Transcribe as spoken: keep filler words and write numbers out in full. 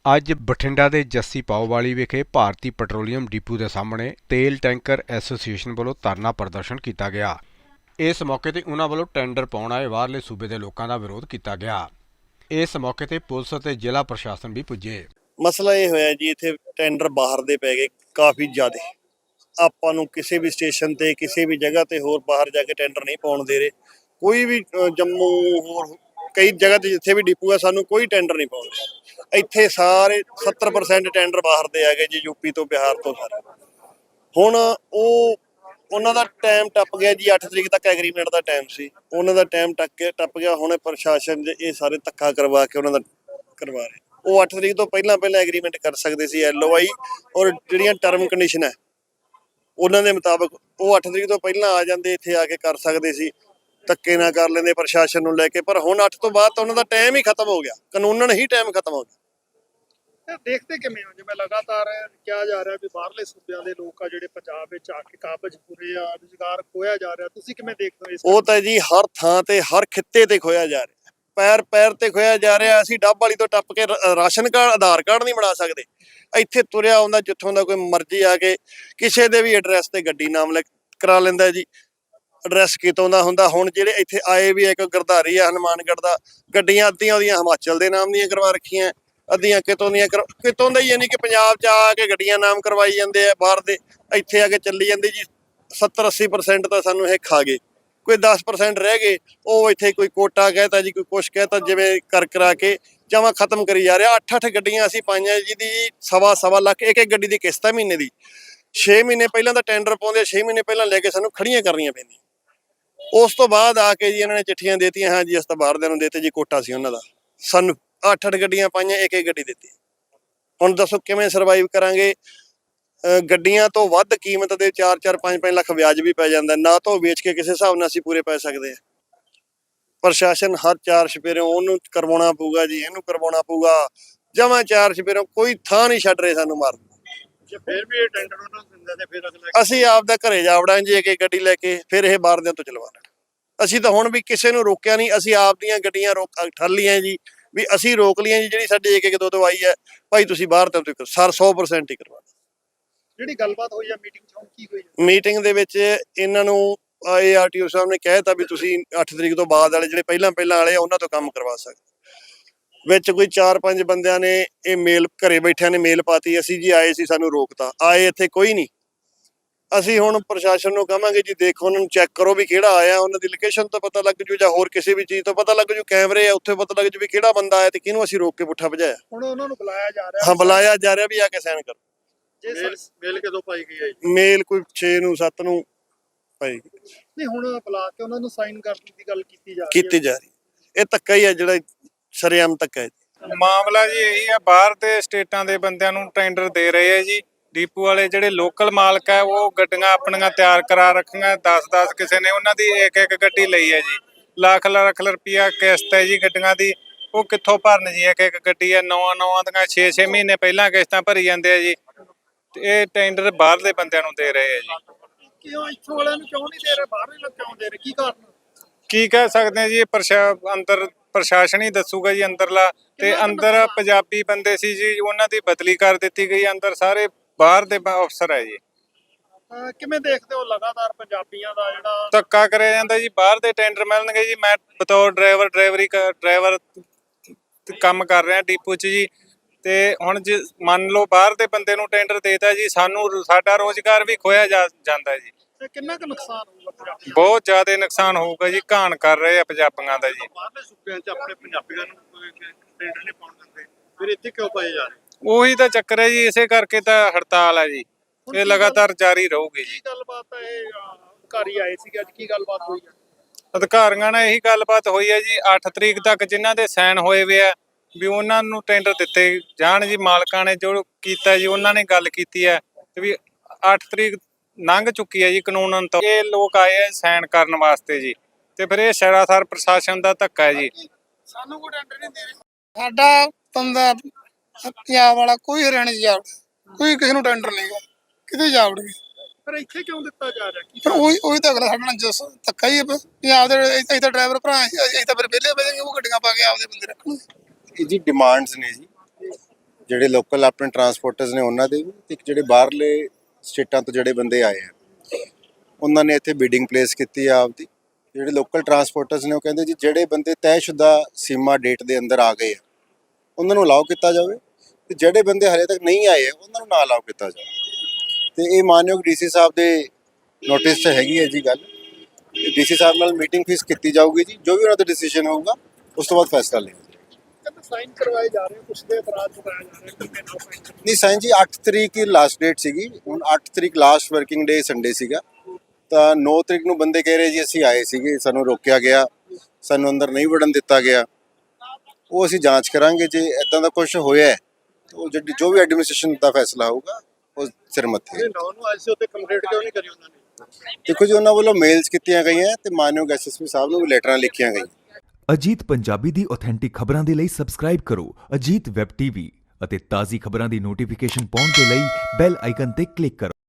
ਅੱਜ ਬਠਿੰਡਾ ਦੇ ਜੱਸੀ ਪਾਓਵਾਲੀ ਵਿਖੇ ਭਾਰਤੀ ਪੈਟਰੋਲੀਅਮ ਡਿਪੂ ਦੇ ਸਾਹਮਣੇ ਤੇਲ ਟੈਂਕਰ ਐਸੋਸੀਏਸ਼ਨ ਵੱਲੋਂ ਧਰਨਾ ਪ੍ਰਦਰਸ਼ਨ ਕੀਤਾ ਗਿਆ। ਇਸ ਮੌਕੇ ਤੇ ਉਨ੍ਹਾਂ ਵੱਲੋਂ ਟੈਂਡਰ ਪਾਉਣ ਆਏ ਬਾਹਰਲੇ ਸੂਬੇ ਦੇ ਲੋਕਾਂ ਦਾ ਵਿਰੋਧ ਕੀਤਾ ਗਿਆ। ਇਸ ਮੌਕੇ ਤੇ ਪੁਲਿਸ ਅਤੇ ਜ਼ਿਲ੍ਹਾ ਪ੍ਰਸ਼ਾਸਨ ਵੀ ਪੁੱਜੇ। ਮਸਲਾ ਇਹ ਹੋਇਆ ਜੀ, ਇੱਥੇ ਟੈਂਡਰ ਬਾਹਰ ਦੇ ਪੈ ਗਏ ਕਾਫੀ ਜ਼ਿਆਦਾ। ਆਪਾਂ ਨੂੰ ਕਿਸੇ ਵੀ ਸਟੇਸ਼ਨ ਤੇ ਕਿਸੇ ਵੀ ਜਗ੍ਹਾ ਤੇ ਹੋਰ ਬਾਹਰ ਜਾ ਕੇ ਟੈਂਡਰ ਨਹੀਂ ਪਾਉਣ ਦੇ ਰਹੇ। ਕੋਈ ਵੀ ਜੰਮੂ ਹੋਰ ਕਈ ਜਗ੍ਹਾ ਤੇ ਜਿੱਥੇ ਵੀ ਡਿਪੂ ਆ ਸਾਨੂੰ ਕੋਈ ਟੈਂਡਰ ਨਹੀਂ ਪਾਉਂਦੇ। ਇੱਥੇ ਸਾਰੇ ਸੱਤਰ ਪਰਸੈਂਟ ਟੈਂਡਰ ਬਾਹਰ ਦੇ ਆ ਗਏ ਜੀ, ਯੂਪੀ ਤੋਂ ਬਿਹਾਰ ਤੋਂ ਸਾਰੇ। ਹੁਣ ਉਹ ਉਹਨਾਂ ਦਾ ਟਾਈਮ ਟੱਪ ਗਿਆ ਜੀ, ਅੱਠ ਤਰੀਕ ਤੱਕ ਐਗਰੀਮੈਂਟ ਦਾ ਟਾਈਮ ਸੀ, ਉਹਨਾਂ ਦਾ ਟਾਈਮ ਟੱਕ ਕੇ ਟੱਪ ਗਿਆ। ਹੁਣ ਪ੍ਰਸ਼ਾਸਨ ਦੇ ਇਹ ਸਾਰੇ ਧੱਕਾ ਕਰਵਾ ਕੇ ਉਹਨਾਂ ਦਾ ਕਰਵਾ ਰਹੇ। ਉਹ ਅੱਠ ਤਰੀਕ ਤੋਂ ਪਹਿਲਾਂ ਪਹਿਲਾਂ ਐਗਰੀਮੈਂਟ ਕਰ ਸਕਦੇ ਸੀ, ਐਲ ਓ ਆਈ ਔਰ ਜਿਹੜੀਆਂ ਟਰਮ ਕੰਡੀਸ਼ਨ ਹੈ ਉਹਨਾਂ ਦੇ ਮੁਤਾਬਕ ਉਹ ਅੱਠ ਤਰੀਕ ਤੋਂ ਪਹਿਲਾਂ ਆ ਜਾਂਦੇ, ਇੱਥੇ ਆ ਕੇ ਕਰ ਸਕਦੇ ਸੀ, ਧੱਕੇ ਨਾ ਕਰ ਲੈਂਦੇ ਪ੍ਰਸ਼ਾਸਨ ਨੂੰ ਲੈ ਕੇ। ਪਰ ਹੁਣ ਅੱਠ ਤੋਂ ਬਾਅਦ ਤਾਂ ਉਹਨਾਂ ਦਾ ਟਾਈਮ ਹੀ ਖਤਮ ਹੋ ਗਿਆ, ਕਾਨੂੰਨਨ ਹੀ ਟਾਈਮ ਖਤਮ ਹੋ ਗਿਆ। ਦੇਖਦੇ ਕਿਵੇਂ ਹੋ ਜਿਵੇਂ ਲਗਾਤਾਰ ਕਿਹਾ ਜਾ ਰਿਹਾ ਵੀ ਬਾਹਰਲੇ ਸੂਬਿਆਂ ਦੇ ਲੋਕ ਆ ਜਿਹੜੇ ਪੰਜਾਬ ਵਿੱਚ ਆ ਕੇ ਕਾਬਜ ਪੂਰੇ ਆ, ਰੁਜ਼ਗਾਰ ਖੋਇਆ ਜਾ ਰਿਹਾ, ਤੁਸੀਂ ਕਿਵੇਂ ਦੇਖਦੇ ਹੋ ਇਸ? ਉਹ ਤਾਂ ਜੀ ਹਰ ਥਾਂ ਤੇ ਹਰ ਖਿੱਤੇ ਤੇ ਖੋਇਆ ਜਾ ਰਿਹਾ, ਪੈਰ ਪੈਰ ਤੇ ਖੋਇਆ ਜਾ ਰਿਹਾ। ਅਸੀਂ ਡੱਬ ਵਾਲੀ ਤੋਂ ਟੱਪ ਕੇ ਰਾਸ਼ਨ ਕਾਰਡ ਆਧਾਰ ਕਾਰਡ ਨਹੀਂ ਬਣਾ ਸਕਦੇ। ਇੱਥੇ ਤੁਰਿਆ ਆਉਂਦਾ ਜਿੱਥੋਂ ਦਾ ਕੋਈ ਮਰਜ਼ੀ ਆ ਕੇ ਕਿਸੇ ਦੇ ਵੀ ਐਡਰੈਸ ਤੇ ਗੱਡੀ ਨਾਮ ਲੈ ਕਰਾ ਲੈਂਦਾ ਜੀ। ਐਡਰੈਸ ਕਿਤੋਂ ਦਾ ਹੁੰਦਾ। ਹੁਣ ਜਿਹੜੇ ਇੱਥੇ ਆਏ ਵੀ ਇੱਕ ਗਰਧਾਰੀ ਆ ਹਨੂੰਮਾਨਗੜ੍ਹ ਦਾ, ਗੱਡੀਆਂ ਅੱਧੀਆਂ ਉਹਦੀਆਂ ਹਿਮਾਚਲ ਦੇ ਨਾਮ ਦੀਆਂ ਕਰਵਾ ਰੱਖੀਆਂ, ਅੱਧੀਆਂ ਕਿਤੋਂ ਦੀਆਂ ਕਿਤੋਂ ਦਾ ਹੀ, ਯਾਨੀ ਕਿ ਪੰਜਾਬ 'ਚ ਆ ਕੇ ਗੱਡੀਆਂ ਨਾਮ ਕਰਵਾਈ ਜਾਂਦੇ ਆ ਬਾਹਰ ਦੇ, ਇੱਥੇ ਆ ਕੇ ਚੱਲੀ ਜਾਂਦੇ ਜੀ। ਸੱਤਰ ਅੱਸੀ ਪਰਸੈਂਟ ਤਾਂ ਸਾਨੂੰ ਇਹ ਖਾ ਗਏ, ਕੋਈ ਦਸ ਪਰਸੈਂਟ ਰਹਿ ਗਏ। ਉਹ ਇੱਥੇ ਕੋਈ ਕੋਟਾ ਕਹਿਤਾ ਜੀ, ਕੋਈ ਕੁਛ ਕਹਿਤਾ, ਜਿਵੇਂ ਕਰ ਕਰਾ ਕੇ ਜਮਾਂ ਖਤਮ ਕਰੀ ਜਾ ਰਿਹਾ। ਅੱਠ ਅੱਠ ਗੱਡੀਆਂ ਅਸੀਂ ਪਾਈਆਂ ਜਿਹਦੀ ਸਵਾ ਸਵਾ ਲੱਖ ਇੱਕ ਇੱਕ ਗੱਡੀ ਦੀ ਕਿਸ਼ਤ ਹੈ ਮਹੀਨੇ ਦੀ। ਛੇ ਮਹੀਨੇ ਪਹਿਲਾਂ ਤਾਂ ਟੈਂਡਰ ਪਾਉਂਦੇ, ਛੇ ਮਹੀਨੇ ਪਹਿਲਾਂ ਲੈ ਕੇ ਸਾਨੂੰ ਖੜੀਆਂ ਕਰਨੀਆਂ ਪੈਂਦੀਆਂ। ਉਸ ਤੋਂ ਬਾਅਦ ਆ ਕੇ ਜੀ ਇਹਨਾਂ ਨੇ ਚਿੱਠੀਆਂ ਦੇਤੀਆਂ, ਹਾਂ ਜੀ ਅਸੀਂ ਤਾਂ ਬਾਹਰ ਦੇ ਨੂੰ ਦੇਤੇ ਜੀ, ਕੋਟਾ ਸੀ ਉਹਨਾਂ ਦਾ। ਸਾਨੂੰ ਅੱਠ ਅੱਠ ਗੱਡੀਆਂ ਪਾਈਆਂ, ਇੱਕ ਇੱਕ ਗੱਡੀ ਦਿੱਤੀ। ਹੁਣ ਦੱਸੋ ਕਿਵੇਂ ਸਰਵਾਈਵ ਕਰਾਂਗੇ? ਗੱਡੀਆਂ ਤੋਂ ਵੱਧ ਕੀਮਤ ਦੇ ਚਾਰ ਚਾਰ ਪੰਜ ਪੰਜ ਲੱਖ ਵਿਆਜ ਵੀ ਪੈ ਜਾਂਦਾ, ਨਾ ਤਾਂ ਉਹ ਵੇਚ ਕੇ ਕਿਸੇ ਹਿਸਾਬ ਨਾਲ ਅਸੀਂ ਪੂਰੇ ਪੈ ਸਕਦੇ ਹਾਂ। ਪ੍ਰਸ਼ਾਸਨ ਹਰ ਚਾਰ ਛਪੇਰੋਂ ਉਹਨੂੰ ਕਰਵਾਉਣਾ ਪਊਗਾ ਜੀ, ਇਹਨੂੰ ਕਰਵਾਉਣਾ ਪਊਗਾ, ਜਮਾਂ ਚਾਰ ਛਪੇਰੋਂ ਕੋਈ ਥਾਂ ਨਹੀਂ ਛੱਡ ਰਹੇ ਸਾਨੂੰ ਮਾਰਨ। ਜੇ ਫਿਰ ਵੀ ਇਹ ਟੈਂਡਰ ਉਹਨਾਂ ਨੂੰ ਦਿੰਦੇ ਤੇ ਫਿਰ ਅਗਲਾ ਅਸੀਂ ਆਪਦਾ ਘਰੇ ਜਾ ਵੜਾਂਗੇ ਜੀ, ਇੱਕ ਇੱਕ ਗੱਡੀ ਲੈ ਕੇ, ਫਿਰ ਇਹ ਬਾਹਰ ਦਿਆਂ ਤੋਂ ਚਲਵਾ ਲੈਣ। ਅਸੀਂ ਤਾਂ ਹੁਣ ਵੀ ਕਿਸੇ ਨੂੰ ਰੋਕਿਆ ਨਹੀਂ, ਅਸੀਂ ਆਪਦੀਆਂ ਗੱਡੀਆਂ ਰੋਕ ਠੱਲ ਲਈਆਂ ਜੀ, ਵੀ ਅਸੀਂ ਰੋਕ ਲਈਆਂ ਜੀ। ਜਿਹੜੀ ਸਾਡੀ ਇੱਕ ਇੱਕ ਦੋ ਦੋ ਆਈ ਹੈ, ਭਾਈ ਤੁਸੀਂ ਬਾਹਰ ਤੋਂ ਸਰ ਸੌ ਪਰਸੈਂਟ ਹੀ ਕਰਵਾ। ਜਿਹੜੀ ਗੱਲਬਾਤ ਹੋਈ ਆ ਮੀਟਿੰਗ 'ਚ, ਹੁਣ ਕੀ ਹੋਈ? ਮੀਟਿੰਗ ਦੇ ਵਿੱਚ ਇਹਨਾਂ ਨੂੰ ਏ ਆਰ ਟੀ ਓ ਸਾਹਿਬ ਨੇ ਕਹਿਤਾ ਵੀ ਤੁਸੀਂ ਅੱਠ ਤਰੀਕ ਤੋਂ ਬਾਅਦ ਵਾਲੇ ਜਿਹੜੇ ਪਹਿਲਾਂ ਪਹਿਲਾਂ ਵਾਲੇ ਆ ਉਹਨਾਂ ਤੋਂ ਕੰਮ ਕਰਵਾ ਸਕਦੇ। ਵਿੱਚ ਕੋਈ ਚਾਰ ਪੰਜ ਬੰਦਿਆਂ ਨੇ ਇਹ ਮੇਲ ਘਰੇ ਬੈਠਿਆਂ ਨੇ ਮੇਲ ਪਾਤੀ, ਅਸੀਂ ਜੀ ਆਏ ਸੀ ਸਾਨੂੰ ਰੋਕਤਾ। ਆਏ ਇੱਥੇ ਕੋਈ ਨਹੀਂ। ਅਸੀਂ ਹੁਣ ਪ੍ਰਸ਼ਾਸਨ ਨੂੰ ਕਹਾਂਗੇ ਜੀ ਦੇਖੋ, ਉਹਨਾਂ ਨੂੰ ਚੈੱਕ ਕਰੋ ਵੀ ਕਿਹੜਾ ਆਇਆ, ਉਹਨਾਂ ਦੀ ਲੋਕੇਸ਼ਨ ਤੋਂ ਪਤਾ ਲੱਗ ਜੂ, ਜਾਂ ਹੋਰ ਕਿਸੇ ਵੀ ਚੀਜ਼ ਤੋਂ ਪਤਾ ਲੱਗ ਜੂ, ਕੈਮਰੇ ਆ ਉੱਥੇ ਪਤਾ ਲੱਗ ਜੂ ਵੀ ਕਿਹੜਾ ਬੰਦਾ ਆਇਆ ਤੇ ਕਿਹਨੂੰ ਅਸੀਂ ਰੋਕ ਕੇ ਪੁੱਠਾ ਭਜਾਇਆ। ਹੁਣ ਉਹਨਾਂ ਨੂੰ ਬੁਲਾਇਆ ਜਾ ਰਿਹਾ? ਹਾਂ, ਬੁਲਾਇਆ ਜਾ ਰਿਹਾ ਵੀ ਆ ਕੇ ਸਾਈਨ ਕਰੋ। ਮੇਲ ਮੇਲ ਕਦੋਂ ਪਾਈ ਗਈ ਹੈ ਜੀ? ਮੇਲ ਕੋਈ ਛੇ ਨੂੰ ਸੱਤ ਨੂੰ ਪਾਈ ਗਈ। ਨਹੀਂ, ਹੁਣ ਬੁਲਾ ਕੇ ਉਹਨਾਂ ਨੂੰ ਸਾਈਨ ਕਰਨ ਦੀ ਗੱਲ ਕੀਤੀ ਜਾ ਰਹੀ ਹੈ। ਕੀਤੀ ਜਾ ਰਹੀ। ਇਹ ਧੱਕਾ ਹੀ ਹੈ, ਜਿਹੜਾ ਸ਼ਰੇਆਮ ਧੱਕਾ ਹੈ। ਮਾਮਲਾ ਜੀ ਇਹੀ ਆ, ਬਾਹਰ ਦੇ ਸਟੇਟਾਂ ਦੇ ਬੰਦਿਆਂ ਨੂੰ ਟੈਂਡਰ ਦੇ ਰਹੇ ਆ ਜੀ। ਡੀਪੂ ਵਾਲੇ ਜਿਹੜੇ ਲੋਕਲ ਮਾਲਕ ਹੈ ਉਹ ਗੱਡੀਆਂ ਆਪਣੀਆਂ ਤਿਆਰ ਕਰਾ ਰੱਖੀਆਂ, ਦਸ ਦਸ ਕਿਸੇ ਨੇ ਉਹਨਾਂ ਦੀ ਇੱਕ ਇੱਕ ਗੱਡੀ ਲਈ ਹੈ ਜੀ। ਲੱਖ ਲੱਖ ਰੁਪਈਆ ਕਿਸ਼ਤ ਹੈ ਜੀ ਗੱਡੀਆਂ ਦੀ, ਉਹ ਕਿੱਥੋਂ ਭਰਨ ਜੀ? ਇੱਕ ਇੱਕ ਗੱਡੀ ਹੈ, ਨੌਵਾਂ ਨੌਵਾਂ ਦੀਆਂ ਛੇ ਛੇ ਮਹੀਨੇ ਪਹਿਲਾਂ ਕਿਸ਼ਤਾਂ ਭਰੀ ਜਾਂਦੇ ਆ ਜੀ। ਇਹ ਟੈਂਡਰ ਬਾਹਰਲੇ ਬੰਦਿਆਂ ਨੂੰ ਦੇ ਰਹੇ ਆ ਜੀ। ਕਿਉਂ ਇੱਥੋਂ ਵਾਲਿਆਂ ਨੂੰ ਕਿਉਂ ਨਹੀਂ ਦੇ ਰਹੇ, ਬਾਹਰਲੇ ਲੋਕ ਕਿਉਂ ਦੇ ਰਹੇ, ਕੀ ਕਾਰਨ? ਕੀ ਕਹਿ ਸਕਦੇ ਆ ਜੀ, ਪ੍ਰਸ਼ਾ ਅੰਦਰ ਪ੍ਰਸ਼ਾਸਨ ਹੀ ਦੱਸੂਗਾ ਜੀ ਅੰਦਰਲਾ। ਤੇ ਅੰਦਰ ਪੰਜਾਬੀ ਬੰਦੇ ਸੀ ਜੀ, ਉਹਨਾਂ ਦੀ ਬਦਲੀ ਕਰ ਦਿੱਤੀ ਗਈ। ਅੰਦਰ ਸਾਰੇ ਬਾਹਰ ਦੇ ਅਫਸਰ ਹੈ ਜੀ। ਕਿਵੇਂ ਦੇਖਦੇ ਹੋ ਲਗਾਤਾਰ ਪੰਜਾਬੀਆਂ ਦਾ ਜਿਹੜਾ ਧੱਕਾ ਕਰਿਆ ਜਾਂਦਾ ਜੀ? ਬਾਹਰ ਦੇ ਟੈਂਡਰ ਮਿਲਣਗੇ ਜੀ। ਮੈਂ ਬਤੌਰ ਡਰਾਈਵਰ ਡਰਾਈਵਰੀ ਡਰਾਈਵਰ ਕੰਮ ਕਰ ਰਿਹਾ ਡਿਪੂ 'ਚ ਜੀ। ਤੇ ਹੁਣ ਜੇ ਮੰਨ ਲਓ ਬਾਹਰ ਦੇ ਬੰਦੇ ਨੂੰ ਟੈਂਡਰ ਦੇਤਾ ਜੀ, ਸਾਨੂੰ ਸਾਡਾ ਰੋਜ਼ਗਾਰ ਵੀ ਖੋਇਆ ਜਾ ਜਾਂਦਾ ਜੀ। ਕਿੰਨਾ ਕੁ ਨੁਕਸਾਨ ਹੋਊਗਾ ਪੰਜਾਬੀਆਂ? ਬਹੁਤ ਜ਼ਿਆਦਾ ਨੁਕਸਾਨ ਹੋਊਗਾ ਜੀ। ਘਾਣ ਕਰ ਰਹੇ ਆ ਪੰਜਾਬੀਆਂ ਦਾ ਜੀ। ਬਾਹਰਲੇ ਸੂਬਿਆਂ 'ਚ ਆਪਣੇ ਪੰਜਾਬੀਆਂ ਨੂੰ ਟੈਂਡਰ ਨਹੀਂ ਪਾਉਣ ਦਿੰਦੇ, ਫਿਰ ਇੱਥੇ ਕਿਉਂ ਪਾਏ ਜਾ ਰਹੇ? ਉਹੀ ਤਾਂ ਚੱਕਰ ਹੈ ਜੀ, ਇਸੇ ਕਰਕੇ ਤਾਂ ਹੜਤਾਲ ਹੈ ਜੀ। ਇਹ ਲਗਾਤਾਰ ਜਾਰੀ ਰਹੂਗੀ ਜੀ। ਕੀ ਗੱਲਬਾਤ ਹੈ? ਇਹ ਅਧਿਕਾਰੀ ਆਏ ਸੀਗੇ ਅੱਜ, ਕੀ ਗੱਲਬਾਤ ਹੋਈ ਹੈ? ਅਧਿਕਾਰੀਆਂ ਨਾਲ ਇਹੀ ਗੱਲਬਾਤ ਹੋਈ ਹੈ ਜੀ। ਅੱਠ ਤਰੀਕ ਤੱਕ ਜਿਨ੍ਹਾਂ ਦੇ ਸਾਈਨ ਹੋਏ ਵੇ ਆ ਵੀ ਉਹਨਾਂ ਨੂੰ ਟੈਂਡਰ ਦਿੱਤੇ ਜਾਣ ਜੀ। ਮਾਲਕਾਂ ਨੇ ਜੋ ਕੀਤਾ ਜੀ, ਉਹਨਾਂ ਨੇ ਗੱਲ ਕੀਤੀ ਹੈ ਤੇ ਵੀ ਅੱਠ ਤਰੀਕ ਲੰਘ ਚੁੱਕੀ ਹੈ ਜੀ ਕਾਨੂੰਨ ਤੋਂ। ਇਹ ਲੋਕ ਆਏ ਆ ਸਾਈਨ ਕਰਨ ਵਾਸਤੇ ਜੀ, ਤੇ ਫਿਰ ਇਹ ਸਰਾਸਰ ਪ੍ਰਸ਼ਾਸਨ ਦਾ ਧੱਕਾ ਹੈ ਜੀ। ਸਾਨੂੰ ਕੋਈ ਟੈਂਡਰ ਨਹੀਂ ਦੇ ਰਹੇ। ਸਾਡਾ ਬੰਦਾ ਪੰਜਾਬ ਵਾਲਾ ਕੋਈ ਹਰਿਆਣੇ 'ਚ ਜਾ ਵੜੇ, ਕੋਈ ਕਿਸੇ ਨੂੰ ਟੈਂਡਰ ਨਹੀਂਗਾ, ਕਿਤੇ ਜਾ ਵੜੇ। ਪਰ ਇੱਥੇ ਕਿਉਂ ਦਿੱਤਾ ਜਾ ਰਿਹਾ? ਕੀ ਪਰ ਉਹੀ ਉਹੀ ਤਾਂ ਅਗਲਾ ਸਾਡੇ ਨਾਲ ਜਸ ਧੱਕਾ ਹੀ ਹੈ। ਪੰਜਾਬ ਦੇ ਅਸੀਂ ਤਾਂ ਡਰਾਈਵਰ ਭਰਾ, ਅਸੀਂ ਤਾਂ ਫਿਰ ਵਿਹਲੇ ਬਹਿ ਜਾਵਾਂਗੇ, ਉਹ ਗੱਡੀਆਂ ਪਾ ਕੇ ਆਪਦੇ ਬੰਦੇ ਰੱਖਣਗੇ। ਇਹ ਜੀ ਡਿਮਾਂਡਸ ਨੇ ਜੀ, ਜਿਹੜੇ ਲੋਕਲ ਆਪਣੇ ਟਰਾਂਸਪੋਰਟਰਸ ਨੇ ਉਹਨਾਂ ਦੇ ਵੀ, ਤੇ ਇੱਕ ਜਿਹੜੇ ਬਾਹਰਲੇ ਸਟੇਟਾਂ ਤੋਂ ਜਿਹੜੇ ਬੰਦੇ ਆਏ ਆ ਉਹਨਾਂ ਨੇ ਇੱਥੇ ਬੀਡਿੰਗ ਪਲੇਸ ਕੀਤੀ ਆ ਆਪਦੀ। ਜਿਹੜੇ ਲੋਕਲ ਟਰਾਂਸਪੋਰਟਰਸ ਨੇ ਉਹ ਕਹਿੰਦੇ ਜੀ ਜਿਹੜੇ ਬੰਦੇ ਤੈਅਸ਼ੁਦਾ ਸੀਮਾ ਡੇਟ ਦੇ ਅੰਦਰ ਆ ਗਏ ਆ ਉਹਨਾਂ ਨੂੰ ਅਲਾਉ ਕੀਤਾ ਜਾਵੇ, ਤੇ ਜਿਹੜੇ ਬੰਦੇ ਹਲੇ ਤੱਕ ਨਹੀਂ ਆਏ ਆ ਉਹਨਾਂ ਨੂੰ ਨਾ ਅਲਾਉ ਕੀਤਾ ਜਾਵੇ। ਤੇ ਇਹ ਮਾਨਯੋਗ ਡੀਸੀ ਸਾਹਿਬ ਦੇ ਨੋਟਿਸ 'ਚ ਹੈਗੀ ਹੈ ਜੀ ਗੱਲ। ਡੀਸੀ ਸਾਹਿਬ ਨਾਲ ਮੀਟਿੰਗ ਫਿਕਸ ਕੀਤੀ ਜਾਊਗੀ ਜੀ, ਜੋ ਵੀ ਉਹਨਾਂ ਦਾ ਡਿਸੀਜਨ ਹੋਊਗਾ ਉਸ ਤੋਂ ਬਾਅਦ ਫੈਸਲਾ ਲਿਆ ਜਾਏਗਾ। ਕਹਿੰਦੇ ਸਾਈਨ ਕਰਵਾਏ ਜਾ ਰਹੇ ਕੁਛ ਦੇ ਇਤਰਾਜ਼ ਚੁਕਾਇਆ ਜਾ ਰਿਹਾ ਕਿ ਨਾ ਸਾਈਨ ਨਹੀਂ ਸਾਈਨ ਜੀ ਅੱਠ ਤਰੀਕ ਹੀ ਲਾਸਟ ਡੇਟ ਸੀਗੀ, ਹੁਣ ਅੱਠ ਤਰੀਕ ਲਾਸਟ ਵਰਕਿੰਗ ਡੇ ਸੰਡੇ ਸੀਗਾ, ਤਾਂ ਨੌ ਤਰੀਕ ਨੂੰ ਬੰਦੇ ਕਹਿ ਰਹੇ ਜੀ ਅਸੀਂ ਆਏ ਸੀਗੇ, ਸਾਨੂੰ ਰੋਕਿਆ ਗਿਆ, ਸਾਨੂੰ ਅੰਦਰ ਨਹੀਂ ਵੜਨ ਦਿੱਤਾ ਗਿਆ। ਉਹ ਅਸੀਂ ਜਾਂਚ ਕਰਾਂਗੇ, ਜੇ ਇਦਾਂ ਦਾ ਕੁਝ ਹੋਇਆ ਹੈ ਤਾਂ ਉਹ ਜਿਹੜੀ ਜੋ ਵੀ ਐਡਮਿਨਿਸਟ੍ਰੇਸ਼ਨ ਦਾ ਫੈਸਲਾ ਹੋਊਗਾ ਉਹ ਸਿਰ ਮੱਥੇ ਹੈ। ਨੌ ਨੂੰ ਐਸੇ ਉੱਤੇ ਕੰਪਲੀਟ ਕਿਉਂ ਨਹੀਂ ਕਰੀ ਉਹਨਾਂ ਨੇ? ਦੇਖੋ ਜੀ ਉਹਨਾਂ ਵੱਲੋਂ ਮੇਲਸ ਕੀਤੀਆਂ ਗਈਆਂ ਤੇ ਮਾਨਯੋਗ ਐਸਐਸਪੀ ਸਾਹਿਬ ਨੂੰ ਵੀ ਲੈਟਰਾਂ ਲਿਖੀਆਂ ਗਈਆਂ। ਅਜੀਤ ਪੰਜਾਬੀ ਦੀ ਆਥੈਂਟਿਕ ਖਬਰਾਂ ਦੇ ਲਈ ਸਬਸਕ੍ਰਾਈਬ ਕਰੋ ਅਜੀਤ ਵੈਬ ਟੀਵੀ ਅਤੇ ਤਾਜ਼ੀ ਖਬਰਾਂ ਦੀ ਨੋਟੀਫਿਕੇਸ਼ਨ ਪਾਉਣ ਦੇ ਲਈ ਬੈਲ ਆਈਕਨ ਤੇ ਕਲਿੱਕ ਕਰੋ।